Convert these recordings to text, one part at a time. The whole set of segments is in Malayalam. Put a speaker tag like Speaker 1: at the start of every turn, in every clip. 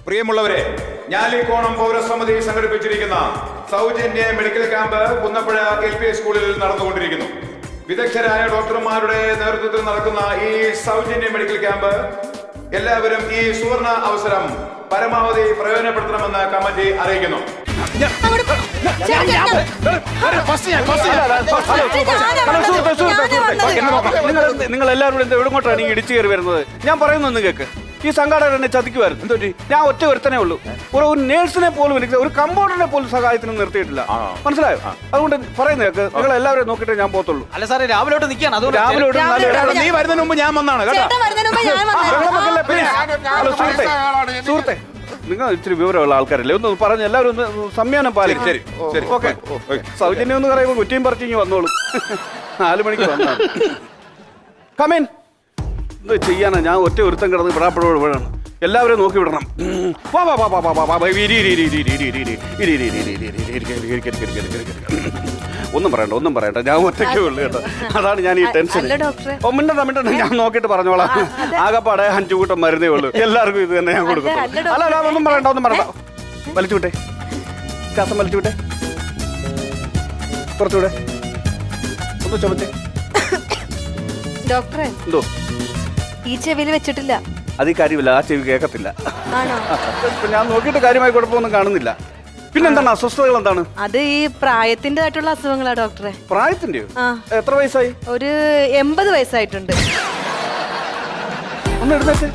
Speaker 1: പ്രിയമുള്ളവരെ, ഞാലിക്കോണം പൗരസമിതി സംഘടിപ്പിച്ചിരിക്കുന്ന സൗജന്യ മെഡിക്കൽ ക്യാമ്പ് പുന്നപ്പുഴ LP സ്കൂളിൽ നടന്നുകൊണ്ടിരിക്കുന്നു. വിദഗ്ധരായ ഡോക്ടർമാരുടെ നേതൃത്വത്തിൽ നടക്കുന്ന ഈ സൗജന്യ മെഡിക്കൽ ക്യാമ്പ് എല്ലാവരും ഈ സുവർണ അവസരം പരമാവധി പ്രയോജനപ്പെടുത്തണമെന്ന് കമ്മിറ്റി അറിയിക്കുന്നു.
Speaker 2: നിങ്ങൾ എല്ലാവരും എവിടങ്ങോട്ടാണ് ഈ ഇടിച്ചു കയറി വരുന്നത്? ഞാൻ പറയുന്നൊന്ന് കേക്ക്. ഈ സംഘാടകർ എന്നെ ചതിക്കുമായിരുന്നു. എന്തോ ഞാൻ ഒറ്റ ഒരുത്തനേ ഉള്ളൂ. ഒരു നേഴ്സിനെ പോലും എനിക്ക്, ഒരു കമ്പൗണ്ടറിനെ പോലും സഹായത്തിന് നിർത്തിയിട്ടില്ല. മനസ്സിലായോ? അതുകൊണ്ട് പറയുന്ന കേക്ക്. നിങ്ങൾ എല്ലാവരും നോക്കിയിട്ട് ഞാൻ പോകത്തുള്ളൂ.
Speaker 3: അല്ല സാറേ, രാവിലോട്ട് നിൽക്കുകയാണ്.
Speaker 1: നീ വരുന്നതിന് മുമ്പ് ഞാൻ വന്നാണ് കേട്ടോ.
Speaker 2: സുഹൃത്തെ, നിങ്ങൾ ഇച്ചിരി വിവരമുള്ള ആൾക്കാരല്ലേ, ഒന്ന് പറഞ്ഞ് എല്ലാവരും ഒന്ന് സംയാനം പാലിക്കും.
Speaker 1: ശരി ശരി,
Speaker 2: ഓക്കെ. സൗജന്യം എന്ന് പറയുമ്പോൾ കുറ്റിയും പറിച്ചിങ്ങി വന്നോളൂ. 4 മണിക്ക് വന്നാണ്. കമേൻ. എന്ത് ചെയ്യാനാ, ഞാൻ ഒറ്റ ഒരുത്തം കിടന്ന് വിടാപ്പഴോട് വീഴാണ്. എല്ലാവരും നോക്കി വിടണം. ഒന്നും പറയണ്ട, ഞാൻ ഒറ്റയ്ക്കേ ഉള്ളു കേട്ടോ. അതാണ് ഞാൻ ഈ ടെൻഷൻ. മിണ്ടണ്ട, ഞാൻ നോക്കിയിട്ട് പറഞ്ഞോളാം. ആകെപ്പാടെ 5 കൂട്ടം മരുന്നേ ഉള്ളൂ. എല്ലാവർക്കും ഇത് തന്നെ ഞാൻ കൊടുക്കും. അല്ല, ഒന്നും പറയണ്ട. വലിച്ചു വിട്ടെ, ശ്വാസം വലിച്ചു വിട്ടെ, കുറച്ചുകൂടെ ഒന്ന് ചുമച്ചേ.
Speaker 4: ഡോക്ടറെ,
Speaker 2: എന്തോ
Speaker 4: ഈ ചെവിയിൽ വെച്ചിട്ടില്ല.
Speaker 2: അത് ഈ കാര്യമില്ല, ആ ചെവി കേൾക്കത്തില്ല.
Speaker 4: ആണോ?
Speaker 2: ഞാൻ നോക്കിയിട്ട് കാര്യമായി കുഴപ്പമൊന്നും കാണുന്നില്ല. പിന്നെന്താണ് അസ്വസ്ഥതകൾ? എന്താണ്?
Speaker 4: അത് ഈ പ്രായത്തിൻ്റെതായിട്ടുള്ള അസുഖങ്ങളാ ഡോക്ടറെ.
Speaker 2: പ്രായത്തിന്റെയോ? എത്ര വയസ്സായി?
Speaker 4: ഒരു 80 വയസ്സായിട്ടുണ്ട്.
Speaker 2: ഒന്ന് എടുത്തേക്ക്.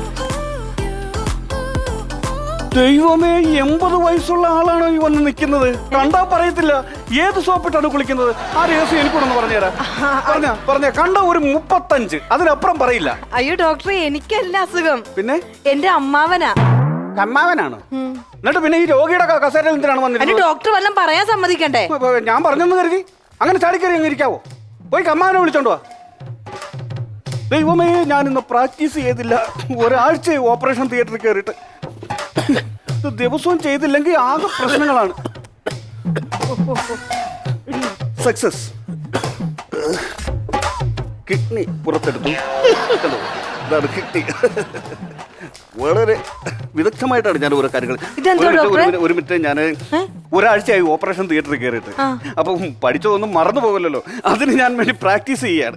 Speaker 2: ദൈവമേ, 80 വയസ്സുള്ള ആളാണ് ഈ വന്ന് നിൽക്കുന്നത്. കണ്ടാ പറയത്തില്ല ഏത് സോപ്പിട്ടാണ് കുളിക്കുന്നത്. ആ രഹസ്യം എനിക്കൂടൊന്ന് പറഞ്ഞുതരാം. പറഞ്ഞ കണ്ട ഒരു 35, അതിനപ്പുറം പറയില്ല.
Speaker 4: അയ്യോ ഡോക്ടറെ, എനിക്കല്ല അസുഖം.
Speaker 2: പിന്നെ
Speaker 4: എന്റെ അമ്മാവനാ.
Speaker 2: അമ്മാവനാണ്? എന്നിട്ട് പിന്നെ ഈ രോഗിയുടെ കസേരയിൽ എന്തിനാണ് വന്നിരുന്നത്?
Speaker 4: ഡോക്ടർ വല്ലതും പറയാൻ സമ്മതിക്കണ്ടേ?
Speaker 2: ഞാൻ പറഞ്ഞെന്ന് കരുതി അങ്ങനെ ചാടിക്കറി അങ്ങ് ഇരിക്കാവോ? പോയി അമ്മാവനെ വിളിച്ചോണ്ട് വാ. ദൈവമേ, ഞാൻ ഇന്ന് പ്രാക്ടീസ് ചെയ്തില്ല. ഒരാഴ്ച ഓപ്പറേഷൻ തിയേറ്ററിൽ കയറിയിട്ട്. ദിവസവും ചെയ്തില്ലെങ്കിൽ ആകെ പ്രശ്നങ്ങളാണ്. സക്സസ്. കിഡ്നി പുറത്തെടുത്തു. ഇതാണ് കിഡ്നി. വളരെ വിദഗ്ധമായിട്ടാണ് ഞാൻ ഓരോ കാര്യങ്ങൾ. ഒരു മിനിറ്റ്, ഞാൻ ഒരാഴ്ചയായി ഓപ്പറേഷൻ തിയേറ്ററിൽ കയറിയിട്ട്. അപ്പം പഠിച്ചതൊന്നും മറന്നു പോകല്ലോ. അതിന് ഞാൻ വേണ്ടി പ്രാക്ടീസ് ചെയ്യാണ്.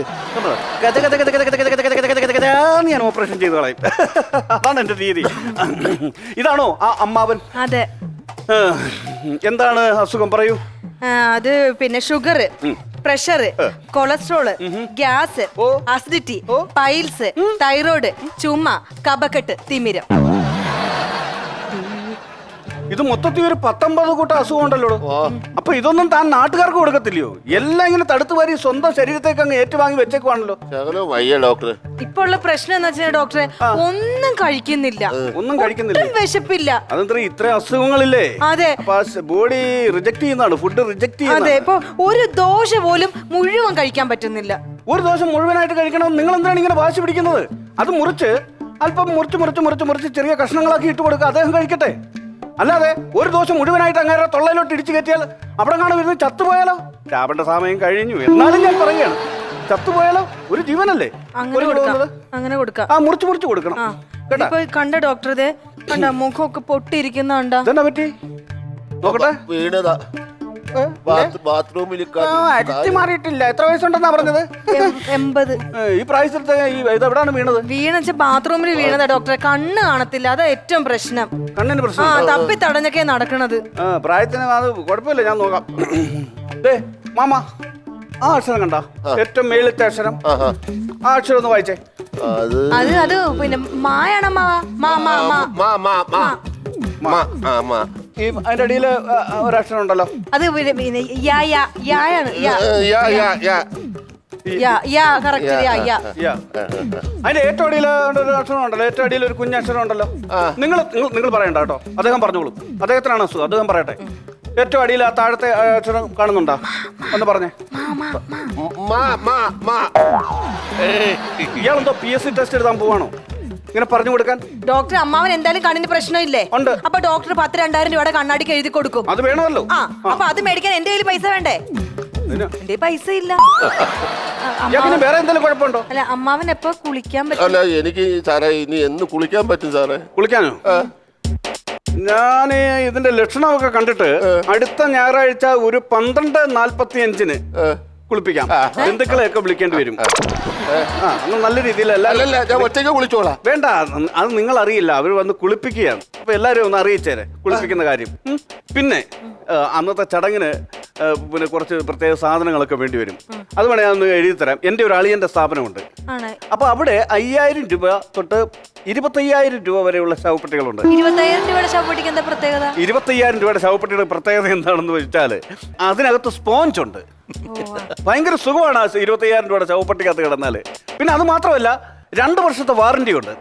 Speaker 2: ഞാൻ ഓപ്പറേഷൻ ചെയ്ത് കളയും. അതാണ് എന്റെ രീതി. ഇതാണോ ആ അമ്മാവൻ?
Speaker 4: അതെ.
Speaker 2: എന്താണ് അസുഖം, പറയൂ.
Speaker 4: അത് പിന്നെ sugar, pressure, cholesterol, gas, acidity, piles, thyroid, ചുമ, കഫക്കെട്ട്, തിമിരം.
Speaker 2: ഇത് മൊത്തത്തിൽ ഒരു 19 കൂട്ടം അസുഖം ഉണ്ടല്ലോ. അപ്പൊ ഇതൊന്നും താൻ നാട്ടുകാർക്ക് കൊടുക്കത്തില്ലയോ? എല്ലാം ഇങ്ങനെ തടുത്തു വാരി സ്വന്തം ശരീരത്തേക്ക് അങ്ങ് ഏറ്റുവാങ്ങി വെച്ചേക്കുവാണല്ലോ.
Speaker 4: ഇപ്പൊ ഉള്ള പ്രശ്നം എന്ന് വെച്ചാൽ ഡോക്ടറെ, ഒന്നും കഴിക്കുന്നില്ല. വിശപ്പില്ല.
Speaker 2: അതെന്താ ഇത്ര അസുഖങ്ങളില്ലേ?
Speaker 4: അതെ.
Speaker 2: ബോഡി റിജക്ട് ചെയ്യുന്നതാണ്, ഫുഡ് റിജക്ട് ചെയ്യുന്നത്.
Speaker 4: അതെ. ഇപ്പൊ ഒരു ദോശ പോലും മുഴുവൻ കഴിക്കാൻ പറ്റുന്നില്ല.
Speaker 2: ഒരു ദോശ മുഴുവനായിട്ട് കഴിക്കണം. നിങ്ങൾ എന്താണ് ഇങ്ങനെ വാശി പിടിക്കുന്നത്? അത് മുറിച്ച് അല്പം മുറിച്ച് ചെറിയ കഷ്ണങ്ങളാക്കി ഇട്ട് കൊടുക്കുക. അദ്ദേഹം കഴിക്കട്ടെ. അല്ലാതെ ഒരു ദോശ മുഴുവനായിട്ട് അങ്ങനെ തൊള്ളയിലോട്ട് ഇടിച്ചു കയറ്റിയാൽ അവിടെ കാണാൻ വരുന്നത് ചത്തുപോയാലോ? ചാപേണ്ട സമയം കഴിഞ്ഞു. എന്നാലും ഞാൻ പറയുകയാണ്, ചത്തുപോയാലോ? ഒരു ജീവനല്ലേ
Speaker 4: അങ്ങനെ കൊടുക്കാം.
Speaker 2: ആ മുറിച്ച് കൊടുക്കണം കേട്ടോ.
Speaker 4: കണ്ട ഡോക്ടറെ, കണ്ട മുഖമൊക്കെ പൊട്ടിയിരിക്കുന്നുണ്ടോ?
Speaker 2: ഇതെന്നാ പറ്റി നോക്കട്ടെ.
Speaker 5: വീണതാ ബാത്റൂമിൽ.
Speaker 2: അടിച്ചു മാറിയിട്ടില്ല. എത്ര വയസ്സുണ്ടെന്നാ പറഞ്ഞത്?
Speaker 4: 80.
Speaker 2: ഈ പ്രായത്തിലത്തെ ഇതെവിടാണ് വീണത്?
Speaker 4: വീണെച്ച ബാത്റൂമിൽ വീണതാ ഡോക്ടറെ. കണ്ണ് കാണത്തില്ല, അതാ ഏറ്റവും പ്രശ്നം.
Speaker 2: കണ്ണിന് പ്രശ്നം?
Speaker 4: തപ്പി തടഞ്ഞൊക്കെ നടക്കണത്.
Speaker 2: പ്രായത്തിന് അത് കുഴപ്പമില്ല, ഞാൻ നോക്കാം. മാമ, ആ അക്ഷരം കണ്ട ഏറ്റവും മേളിലത്തെ അക്ഷരം, ആ അക്ഷരം ഒന്ന് വായിച്ചേ.
Speaker 4: അത് പിന്നെ മായാണ്.
Speaker 2: അതിന്റെ അടിയിൽ ഒരക്ഷരം ഉണ്ടല്ലോ.
Speaker 4: അത്
Speaker 2: അതിന്റെ ഏറ്റവും അടിയിൽ ഒരു അക്ഷരം ഉണ്ടല്ലോ. ഏറ്റവും അടിയിൽ ഒരു കുഞ്ഞക്ഷരം ഉണ്ടല്ലോ. നിങ്ങൾ പറയണ്ട കേട്ടോ, അദ്ദേഹം പറഞ്ഞോളൂ. അദ്ദേഹത്തിനാണ് അസുഖം, അദ്ദേഹം പറയട്ടെ. ഏറ്റവും അടിയിൽ ആ താഴത്തെ അക്ഷരം കാണുന്നുണ്ടോ? ഒന്ന് പറഞ്ഞേ. ഇയാളെന്തോ PSC ടെസ്റ്റ് എഴുതാൻ പോവാണോ ഇങ്ങനെ പറഞ്ഞു കൊടുക്കാൻ?
Speaker 4: ഡോക്ടർ, അമ്മാവൻ എന്തായാലും കണ്ണിന് പ്രശ്നമില്ലേ?
Speaker 2: ഉണ്ട്.
Speaker 4: അപ്പൊ ഡോക്ടർ 10,000-2000 രൂപയുടെ കണ്ണാടിക്ക് എഴുതി കൊടുക്കും.
Speaker 2: അത് വേണമല്ലോ.
Speaker 4: അപ്പൊ അത് മേടിക്കാൻ എന്റെ കയ്യിൽ പൈസ വേണ്ടേ? എന്റെ പൈസ ഇല്ല.
Speaker 2: വേറെ എന്തെങ്കിലും കുഴപ്പമുണ്ടോ?
Speaker 4: അല്ല, അമ്മാവൻ എപ്പോ കുളിക്കാൻ പറ്റും?
Speaker 5: അല്ല, എനിക്ക് സാറേ ഇനി എന്ന് കുളിക്കാൻ പറ്റും സാറേ?
Speaker 2: കുളിക്കാനോ? ഞാൻ ഇതിന്റെ ലക്ഷണമൊക്കെ കണ്ടിട്ട് അടുത്ത ഞായറാഴ്ച ഒരു 12:45 കുളിപ്പിക്കാം. ബന്ധുക്കളെയൊക്കെ വിളിക്കേണ്ടി വരും. ഒന്ന് നല്ല രീതിയിൽ
Speaker 5: അല്ലല്ല, ഞാൻ ഒറ്റയ്ക്ക് വിളിച്ചോളാം.
Speaker 2: വേണ്ട, അത് നിങ്ങൾ അറിയില്ല. അവർ വന്ന് കുളിപ്പിക്കുകയാണ്. അപ്പൊ എല്ലാരും ഒന്ന് അറിയിച്ചേരെ കുളിപ്പിക്കുന്ന കാര്യം. പിന്നെ അന്നത്തെ ചടങ്ങിന് പിന്നെ കുറച്ച് പ്രത്യേക സാധനങ്ങളൊക്കെ വേണ്ടി വരും. അത് വേണേ ഞാൻ ഒന്ന് എഴുതി തരാം. എൻ്റെ ഒരു അളിയന്റെ സ്ഥാപനമുണ്ട്. അപ്പൊ അവിടെ 5000 രൂപ തൊട്ട് 25,000 രൂപ വരെയുള്ള ശവപ്പെട്ടികളുണ്ട്.
Speaker 4: 25,000 രൂപയുടെ ശവപ്പെട്ടിക്ക് എന്താ പ്രത്യേകത?
Speaker 2: 25,000 രൂപയുടെ ശവപ്പെട്ടിയുടെ പ്രത്യേകത എന്താണെന്ന് വെച്ചാൽ അതിനകത്ത് സ്പോഞ്ച് ഉണ്ട്. ഭയങ്കര സുഖമാണ് ആ 25,000 രൂപയുടെ ശവപ്പെട്ടിക്കകത്ത് കിടന്നാല്. പിന്നെ അത് മാത്രമല്ല 2 വർഷത്തെ വാറന്റി ഉണ്ട്.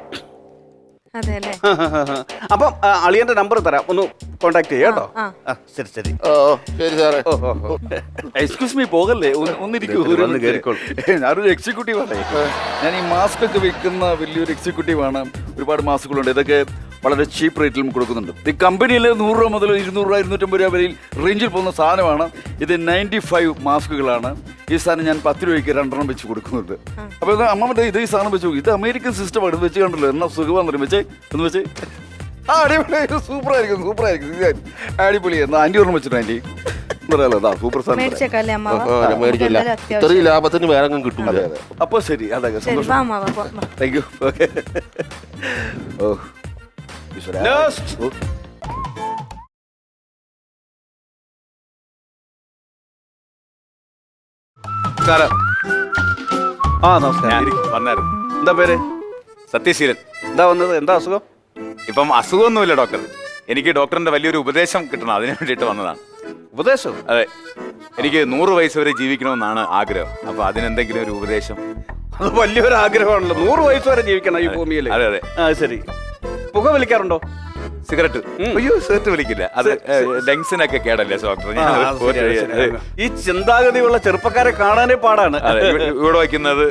Speaker 2: അപ്പം അളിയന്റെ നമ്പർ തരാം, ഒന്ന് കോണ്ടാക്ട് ചെയ്യാം കേട്ടോ. ശരി ശരി
Speaker 5: ശരി സാറേ.
Speaker 3: എക്സ്ക്യൂസ് മീ, പോകല്ലേ, ഒന്നിരിക്കൂ. ഞാനൊരു എക്സിക്യൂട്ടീവ് ആണ്. ഞാൻ ഈ മാസ്ക് ഒക്കെ വിൽക്കുന്ന വലിയൊരു എക്സിക്യൂട്ടീവാണ്. ഒരുപാട് മാസ്കുകളുണ്ട്. ഇതൊക്കെ വളരെ ചീപ്പ് റേറ്റിലും കൊടുക്കുന്നുണ്ട്. ഈ കമ്പനിയിൽ 100 രൂപ മുതൽ 200 രൂപ 250 രൂപ വരെ റേഞ്ചിൽ പോകുന്ന സാധനമാണ്. ഇത് 95 മാസ്കുകളാണ്. ഈ സാധനം ഞാൻ 10 രൂപയ്ക്ക് 2 വെച്ച് കൊടുക്കുന്നുണ്ട്. അപ്പോൾ ഇത് അമ്മ ഇത് ഈ സാധനം വെച്ചു, ഇത് അമേരിക്കൻ സിസ്റ്റമാണ്. ഇത് വെച്ച് കണ്ടല്ലോ എന്നാ സുഖമാണെന്ന് വെച്ചേ ഒന്ന് വെച്ചേ. അടിപൊളി, സൂപ്പറായിരിക്കും, സൂപ്പറായിരിക്കും, അടിപൊളി. എന്നാ ആൻറ്റി ഓർമ്മ വെച്ചിട്ട് ആൻറ്റി പറയാലോ, സൂപ്പർ സാധനം.
Speaker 5: ഇത്രയും ലാഭത്തിന് വേറെ കിട്ടും.
Speaker 3: അപ്പോൾ ശരി, അതെ, താങ്ക് യു. ഓക്കെ. ഓ
Speaker 2: നമസ്കാരം.
Speaker 1: വന്നായിരുന്നു.
Speaker 2: എന്താ പേര്?
Speaker 1: സത്യശീലൻ.
Speaker 2: എന്താ വന്നത്? എന്താ അസുഖം?
Speaker 1: ഇപ്പം അസുഖമൊന്നുമില്ല ഡോക്ടർ. എനിക്ക് ഡോക്ടറിന്റെ വലിയൊരു ഉപദേശം കിട്ടണം, അതിനു വേണ്ടിയിട്ട് വന്നതാണ്.
Speaker 2: ഉപദേശം?
Speaker 1: അതെ, എനിക്ക് 100 വയസ്സ് വരെ ജീവിക്കണമെന്നാണ് ആഗ്രഹം. അപ്പൊ അതിനെന്തെങ്കിലും ഒരു ഉപദേശം?
Speaker 2: അത് വലിയൊരു ആഗ്രഹമാണല്ലോ, 100 വയസ്സ് വരെ ജീവിക്കണം ഈ ഭൂമിയിൽ.
Speaker 1: അതെ അതെ.
Speaker 2: ശരി. പുക വലിക്കാറുണ്ടോ?
Speaker 1: സിഗരറ്റ്? അയ്യോ, സിഗരറ്റ് വലിക്കില്ല. അത് ലങ്സിനൊക്കെ കേടല്ലേ ഡോക്ടർ.
Speaker 2: ഈ ചിന്താഗതിയുള്ള ചെറുപ്പക്കാരെ കാണാനേ പാടാണ്.
Speaker 1: ഇവിടെ വയ്ക്കുന്നത്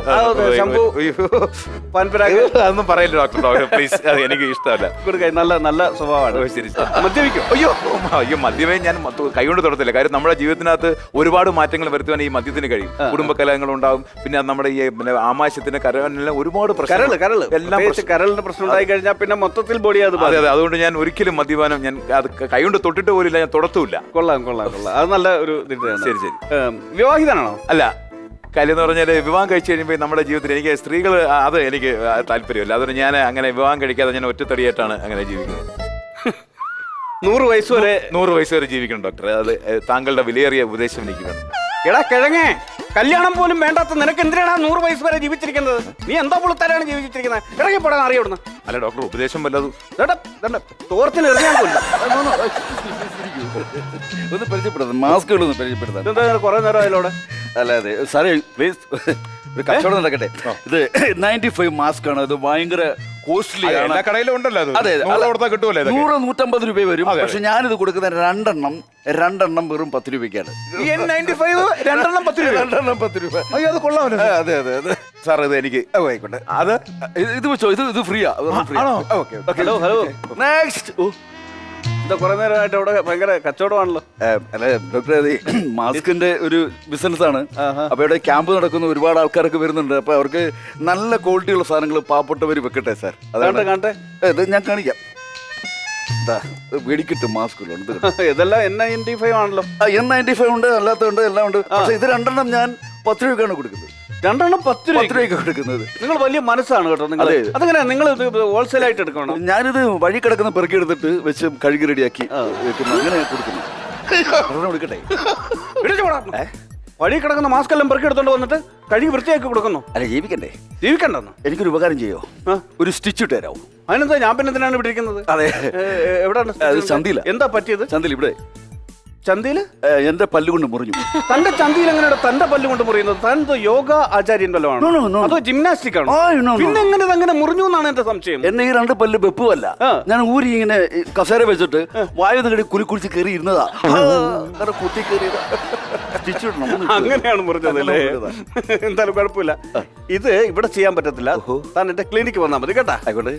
Speaker 1: അതൊന്നും പറയില്ല ഡോക്ടർ, പ്ലീസ്. അത് എനിക്ക് ഇഷ്ടമല്ല.
Speaker 2: നല്ല നല്ല സ്വഭാവമാണ്.
Speaker 1: ശരി. മദ്യപിക്കും? അയ്യോ മദ്യമേ ഞാൻ കൈകൊണ്ട് തൊടത്തില്ല. കാര്യം നമ്മുടെ ജീവിതത്തിനകത്ത് ഒരുപാട് മാറ്റങ്ങൾ വരുത്തുവാൻ ഈ മദ്യത്തിന് കഴിയും. കുടുംബകലഹങ്ങൾ ഉണ്ടാവും. പിന്നെ നമ്മുടെ ഈ ആമാശയത്തിന് കരളിനെല്ലാം ഒരുപാട്
Speaker 2: കരളിന്റെ പ്രശ്നം ഉണ്ടായി കഴിഞ്ഞാൽ പിന്നെ മൊത്തത്തിൽ ബോഡി അത്.
Speaker 1: അതെ അതെ. അതുകൊണ്ട് ഞാൻ ഒരിക്കലും മദ്യപാനം ഞാൻ അത് കൈകൊണ്ട് തൊട്ടിട്ട് പോലില്ല, ഞാൻ തൊടത്തുമില്ല.
Speaker 2: കൊള്ളാം കൊള്ളാം കൊള്ളാം, അത് നല്ല ഒരു.
Speaker 1: ശരി ശരി.
Speaker 2: വിവാഹിതനാണോ?
Speaker 1: അല്ല, കാര്യം എന്ന് പറഞ്ഞാൽ വിവാഹം കഴിച്ചു കഴിയുമ്പോൾ നമ്മുടെ ജീവിതത്തിൽ എനിക്ക് സ്ത്രീകൾ അത് എനിക്ക് താല്പര്യമില്ല. അതുകൊണ്ട് ഞാൻ അങ്ങനെ വിവാഹം കഴിക്കാതെ ഞാൻ ഒറ്റത്തടിയായിട്ടാണ് അങ്ങനെ ജീവിക്കുന്നത്.
Speaker 2: 100 വയസ്സ് വരെ
Speaker 1: 100 വയസ്സ് വരെ ജീവിക്കണം ഡോക്ടർ. അത് താങ്കളുടെ വിലയേറിയ ഉപദേശം എനിക്ക് വേണം.
Speaker 2: എടാ കിഴങ്ങേ, കല്യാണം പോലും വേണ്ടാത്ത നിനക്ക് എന്തിനാണ് 100 വയസ്സ് വരെ ജീവിച്ചിരിക്കുന്നത്? നീ എന്താ പുളുത്താരാണ് ജീവിച്ചിരിക്കുന്നത്? ഇറങ്ങിപ്പോടാൻ അറിയവിടുന്നു.
Speaker 1: അല്ല ഡോക്ടർ, ഉപദേശം വല്ലതും
Speaker 2: തോർത്തിന് എറിയാൻ കൊല്ലും.
Speaker 3: ഒന്ന് പരിചയപ്പെടുത്താം, മാസ്കുകളൊന്ന് പരിചയപ്പെടുത്താം.
Speaker 2: എന്താ കുറെ നേരം അതിലൂടെ?
Speaker 3: അല്ല അതെ സാറേ, പ്ലീസ് ഒരു കച്ചവടം നടക്കട്ടെ. ഇത് 95 മാസ്ക് ആണ്. ഇത് ഭയങ്കര കോസ്റ്റ്ലി ആണ്.
Speaker 1: കടയിലും ഉണ്ടല്ലോ.
Speaker 3: അതെ, 100-150 രൂപ വരും.
Speaker 1: അതെ.
Speaker 3: പക്ഷെ ഞാനിത് കൊടുക്കുന്ന രണ്ടെണ്ണം വെറും 10 രൂപയ്ക്കാണ്.
Speaker 2: 95 രണ്ടെണ്ണം 10 രൂപ.
Speaker 3: 10 രൂപ.
Speaker 2: അയ്യോ, അത് കൊള്ളാമല്ലോ.
Speaker 3: അതെ അതെ അതെ
Speaker 1: സാർ, ഇത് എനിക്ക് ആയിക്കോട്ടെ. അത്
Speaker 3: ഇത് വെച്ചോ, ഇത് ഫ്രീയാ.
Speaker 2: Hello hello, next. എന്താ കുറെ നേരമായിട്ട് അവിടെ ഭയങ്കര കച്ചവടമാണല്ലോ.
Speaker 3: അല്ലെ ഡോക്ടർ, മാസ്കിന്റെ ഒരു ബിസിനസ് ആണ്. അപ്പൊ ഇവിടെ ക്യാമ്പ് നടക്കുന്ന ഒരുപാട് ആൾക്കാരൊക്കെ വരുന്നുണ്ട്. അപ്പൊ അവർക്ക് നല്ല ക്വാളിറ്റിയുള്ള സാധനങ്ങൾ പാവപ്പെട്ടവർ വെക്കട്ടെ സാർ. അതാണ്
Speaker 2: കാണട്ടെ.
Speaker 3: ഇത് ഞാൻ കാണിക്കാം. വെടിക്കിട്ടും മാസ്കുകളുണ്ട്.
Speaker 2: ഇതെല്ലാം N95 ആണല്ലോ.
Speaker 3: N95 ഉണ്ട്, അല്ലാത്തതുണ്ട്, എല്ലാം ഉണ്ട്. പക്ഷെ ഇത് 2 ഞാൻ 10 രൂപയ്ക്കാണ് കൊടുക്കുന്നത്.
Speaker 2: 10 രൂപയ്ക്ക്
Speaker 3: കൊടുക്കുന്നത്.
Speaker 2: നിങ്ങൾ വലിയ മനസ്സാണ് കേട്ടോ. നിങ്ങൾ അതങ്ങനെ നിങ്ങൾ ഹോൾസെയിൽ ആയിട്ട് എടുക്കണം.
Speaker 3: ഞാനിത് വഴി കിടക്കുന്ന പെറുക്കി എടുത്തിട്ട് വെച്ച് കഴുകി റെഡിയാക്കി വെക്കുന്നു. അങ്ങനെ കൊടുക്കുന്നു. കൊടുക്കട്ടെ.
Speaker 2: വഴി കിടക്കുന്ന മാസ്ക് എല്ലാം പെറുക്കി എടുത്തോണ്ട് വന്നിട്ട് കഴുകി വൃത്തിയാക്കി കൊടുക്കുന്നു.
Speaker 3: അല്ല, ജീവിക്കണ്ടേ?
Speaker 2: ജീവിക്കണ്ടെന്ന്.
Speaker 3: എനിക്കൊരു ഉപകാരം ചെയ്യോ? ഒരു സ്റ്റിച്ച് ഇട്ട് തരാമോ?
Speaker 2: അതിനെന്താ, ഞാൻ പിന്നെ എന്തിനാണ് ഇവിടെ ഇരിക്കുന്നത്?
Speaker 3: അതെ.
Speaker 2: എവിടെയാണ്?
Speaker 3: ചന്തിയില.
Speaker 2: എന്താ പറ്റിയത്?
Speaker 3: ചന്തിയിൽ. ഇവിടെ
Speaker 2: ചന്തിയില്
Speaker 3: എന്റെ പല്ലുകൊണ്ട് മുറിഞ്ഞു.
Speaker 2: തന്റെ ചന്തിയിൽ എങ്ങനെയാണ് തന്റെ പല്ലുകൊണ്ട് മുറിയുന്നത്? താൻ യോഗ ആചാര്യൻ വല്ലതും അതോ ജിംനാസ്റ്റിക് ആണോ? പിന്നെ എങ്ങനെ അങ്ങനെ മുറിഞ്ഞു എന്നാണ് എന്റെ സംശയം.
Speaker 3: എന്നെ ഈ 2 പല്ല് വെപ്പുമല്ല, ഞാൻ ഊരി ഇങ്ങനെ കസേര വെച്ചിട്ട് വായുന്നകടി കുളിച്ച് കയറി ഇരുന്നതാ. കുത്തി കയറിയതാ.
Speaker 2: അങ്ങനെയാണ് മുറിഞ്ഞത് അല്ലേ? എന്തായാലും കുഴപ്പമില്ല. ഇത് ഇവിടെ ചെയ്യാൻ പറ്റത്തില്ല. താൻ എന്റെ ക്ലിനിക്ക് വന്നാൽ മതി കേട്ടാ.
Speaker 3: ആയിക്കോട്ടെ.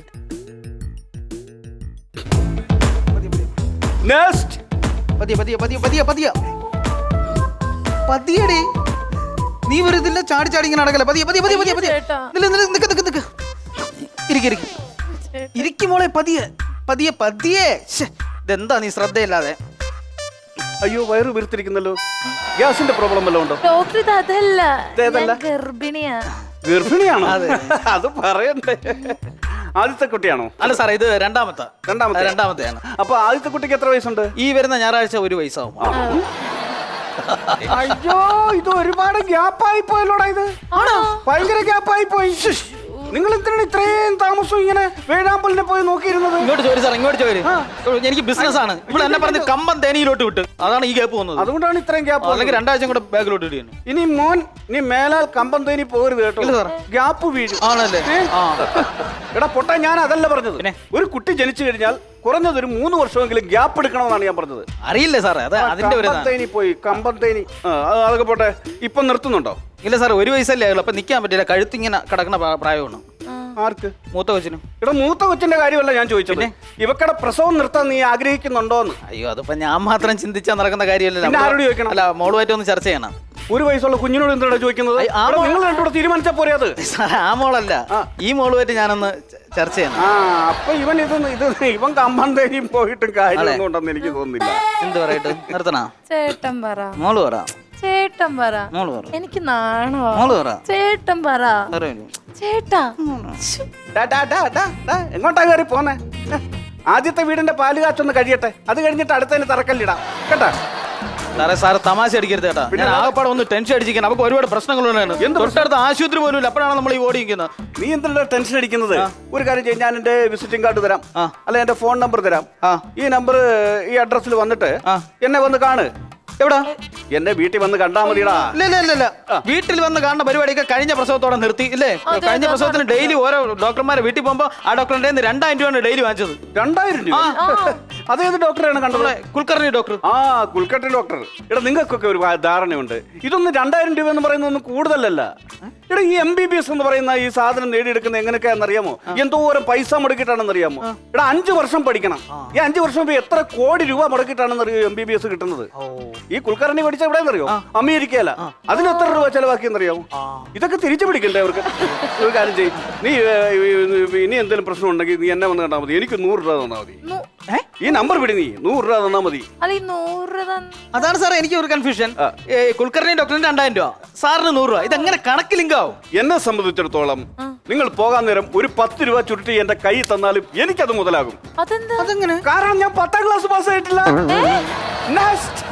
Speaker 2: നെക്സ്റ്റ്.
Speaker 6: പതിയടി, നീ വെറുതെ ചാടി ചാടി ഇങ്ങനെ നടക്കല. ഇരിക്കും മോളെ, പതിയെ. ഇതെന്താ നീ ശ്രദ്ധയില്ലാതെ?
Speaker 2: അയ്യോ വയറ് വീർത്തിരിക്കുന്നല്ലോ. ഗ്യാസിന്റെ പ്രോബ്ലം വല്ലതും ഉണ്ടോ?
Speaker 7: ഡോക്ടർ ഇത് അതല്ല,
Speaker 2: ഇതേതല്ല?
Speaker 7: ഞാൻ ഗർഭിണിയാ.
Speaker 2: ഗർഭിണിയാണോ? അത് പറയണ്ടേ. ആദ്യത്തെ കുട്ടിയാണോ?
Speaker 6: അല്ല സാറേ, ഇത് രണ്ടാമത്തെ.
Speaker 2: രണ്ടാമത്തെയാണ്. അപ്പൊ ആദ്യത്തെ കുട്ടിക്ക് എത്ര വയസ്സുണ്ട്?
Speaker 6: ഈ വരുന്ന ഞായറാഴ്ച 1 വയസ്സാവും.
Speaker 2: അയ്യോ ഇത് ഒരുപാട് ഗ്യാപ്പായി പോയല്ലോടാ. ഇത് ഭയങ്കര ഗ്യാപ്പായി പോയി. നിങ്ങൾ എന്തിനാണ് ഇത്രയും താമസം ഇങ്ങനെ വേഴാമ്പലിനെ പോയി നോക്കിയിരുന്നത്?
Speaker 6: ഇങ്ങോട്ട് ചോരി സാർ, ഇങ്ങോട്ട് ചോരി. എനിക്ക് ബിസിനസ് ആണ്. ഇവിടെ എന്നെ പറഞ്ഞ് കമ്പം തേനിയിലോട്ട് വിട്ട്, അതാണ് ഈ ഗ്യാപ്പ് പോകുന്നത്.
Speaker 2: അതുകൊണ്ടാണ് ഇത്രയും ഗ്യാപ്പ്.
Speaker 6: അല്ലെങ്കിൽ 2 ആഴ്ച കൂടെ ബാഗിലോട്ട് ഇടുന്നു.
Speaker 2: ഇനി മോൻ നീ മേലാൽ കമ്പം തേനി പോകരുത് കേട്ടോ. ഗ്യാപ്പ് വീഴും.
Speaker 6: ആണല്ലേ?
Speaker 2: എടാ പൊട്ട, ഞാൻ അതല്ല പറഞ്ഞത്. ഒരു കുട്ടി ജനിച്ചു കഴിഞ്ഞാൽ കുറഞ്ഞത് ഒരു 3 വർഷമെങ്കിലും ഗ്യാപ്പ് എടുക്കണമെന്നാണ് ഞാൻ പറഞ്ഞത്.
Speaker 6: അറിയില്ലേ സാറേ, അത് അതിന്റെ ഒരു
Speaker 2: തേനി പോയി കമ്പം തേനി. അതൊക്കെ പോട്ടെ. ഇപ്പൊ നിർത്തുന്നുണ്ടോ?
Speaker 6: ഇല്ല സാർ, 1 വയസ്സല്ലേ ആയുള്ളൂ. അപ്പൊ നിക്കാൻ പറ്റില്ല, കഴുത്തിങ്ങനെ കിടക്കുന്ന പ്രായമാണ്.
Speaker 2: ആർക്ക്?
Speaker 6: മൂത്ത കൊച്ചിനും.
Speaker 2: ഇവിടെ മൂത്ത കൊച്ചിന്റെ കാര്യമല്ല ഞാൻ ചോദിച്ചത്. ഇവക്കടെ പ്രസവം നിർത്താൻ നീ ആഗ്രഹിക്കുന്നുണ്ടോന്ന്.
Speaker 6: അയ്യോ, അതിപ്പോ ഞാൻ മാത്രം ചിന്തിച്ചാൽ നടക്കുന്ന കാര്യമല്ലല്ലോ.
Speaker 2: ആരോട് ചോദിക്കണം?
Speaker 6: അല്ല, മോളുമായിട്ട് ഒന്ന് ചർച്ച ചെയ്യണം.
Speaker 2: 1 വയസ്സുള്ള കുഞ്ഞിനോട് എന്താണ് ചോദിക്കുന്നത്? നിങ്ങൾ രണ്ടുകൂടെ തീരുമാനിച്ചാ പോരെ അത്.
Speaker 6: സാറേ, ആ മോളല്ല, ഈ മോളുമായിട്ട് ഞാനൊന്ന് ചർച്ച ചെയ്യണം.
Speaker 2: അപ്പൊ ഇവൻ കമ്പം തേനിയും പോയിട്ടും കാര്യമൊന്നും ഉണ്ടെന്ന് എനിക്ക് തോന്നുന്നില്ല.
Speaker 6: എന്ത് പറയട്ടെ, നിർത്തണ?
Speaker 7: ചേട്ടൻ പറ.
Speaker 6: മോള് പറ.
Speaker 7: ചേട്ടൻ പറ.
Speaker 6: മോള് പറ.
Speaker 7: എനിക്ക് നാണോ?
Speaker 6: മോള് പറ.
Speaker 7: ചേട്ടൻ പറ. ചേട്ടാ.
Speaker 2: എങ്ങോട്ടാ കയറി പോന്നെ? ആദ്യത്തെ വീടിന്റെ പാല് കാച്ചൊന്ന് കഴിയട്ടെ, അത് കഴിഞ്ഞിട്ട് അടുത്തതിന് തറക്കല്ലിടാം കേട്ടാ.
Speaker 6: സാറേ, സാറ് തമാശ അടിക്കരുത് കേട്ടാ. ഞാൻ ആകപ്പാടെ ഒന്ന് ടെൻഷൻ അടിച്ചിരിക്കണം. നമുക്ക് ഒരുപാട് പ്രശ്നങ്ങളുണ്ടാണ്. തൊട്ടടുത്ത ആശുപത്രി പോലും ഇല്ല. അപ്പോഴാണ് നമ്മൾ ഈ ഓടിക്കുന്നത്.
Speaker 2: നീ എന്തിനാ ടെൻഷൻ അടിക്കുന്നത്? ഒരു കാര്യം ചെയ്യും, ഞാൻ എന്റെ വിസിറ്റിംഗ് കാർഡ് തരാം, അല്ല എന്റെ ഫോൺ നമ്പർ തരാം. ഈ നമ്പർ ഈ അഡ്രസ്സിൽ വന്നിട്ട് എന്നെ വന്ന് കാണ്.
Speaker 6: എവിടാ?
Speaker 2: എന്റെ വീട്ടിൽ വന്ന് കണ്ടാ മതിടാ.
Speaker 6: ഇല്ല, വീട്ടിൽ വന്ന് കാണുന്ന പരിപാടിയൊക്കെ കഴിഞ്ഞ പ്രസവത്തോടെ നിർത്തി ഇല്ലേ? കഴിഞ്ഞ പ്രസവത്തിന് ഡെയിലി ഓരോ ഡോക്ടർമാരെ വീട്ടിൽ പോകുമ്പോ ആ ഡോക്ടറിന്റെ 2000 രൂപയാണ് ഡെയിലി വാങ്ങിച്ചത്.
Speaker 2: 2000 രൂപ? അതേത് ഡോക്ടറാണ് കണ്ടത്?
Speaker 6: കുൽക്കർണി ഡോക്ടർ.
Speaker 2: കുൽക്കർണി ഡോക്ടർ. എടാ നിങ്ങൾക്കൊക്കെ ഒരു ധാരണയുണ്ട്. ഇതൊന്നും 2000 രൂപ എന്ന് പറയുന്നതൊന്നും കൂടുതലല്ല. എടാ ഈ MBBS എന്ന് പറയുന്ന ഈ സാധനം നേടിയെടുക്കുന്നത് എങ്ങനെയൊക്കെയാണെന്ന് അറിയാമോ? എന്തോരം പൈസ മുടക്കിയിട്ടാണെന്ന് അറിയാമോ? എടാ 5 വർഷം പഠിക്കണം. ഈ 5 വർഷം എത്ര കോടി രൂപ മുടക്കിയിട്ടാണെന്ന് അറിയോ MBBS കിട്ടുന്നത്? ഈ കുൽക്കർണി പഠിച്ച എവിടെയെന്ന് അറിയോ? അമേരിക്കയില. അതിന് എത്ര രൂപ ചെലവാക്കിയെന്നറിയാമോ? ഇതൊക്കെ തിരിച്ചു പിടിക്കണ്ടേ അവർക്ക്? ഒരു കാര്യം ചെയ്യും, നീ ഇനി എന്തെങ്കിലും പ്രശ്നം ഉണ്ടെങ്കിൽ നീ എന്നെ വന്ന് കണ്ടാൽ മതി. എനിക്ക് 100 രൂപ തന്നാ മതി. ഈ നമ്പർ പിടി, നീ 100 രൂപ തന്നാ മതി.
Speaker 6: അതാണ് സാറേ എനിക്ക് ഒരു കൺഫ്യൂഷൻ. കുൽക്കർണി ഡോക്ടറിന് 2000 രൂപ, സാറിന് 100 രൂപ. ഇതെങ്ങനെ കണക്ക് ലിങ്കാവും?
Speaker 2: എന്നെ സംബന്ധിച്ചിടത്തോളം നിങ്ങൾ പോകാൻ നേരം ഒരു 10 രൂപ ചുരുട്ടി എന്റെ കൈ തന്നാലും എനിക്കത് മുതലാകും.
Speaker 6: അതെങ്ങനെ?
Speaker 2: കാരണം ഞാൻ 10ാം ക്ലാസ് പാസ്സായിട്ടില്ല. നെക്സ്റ്റ്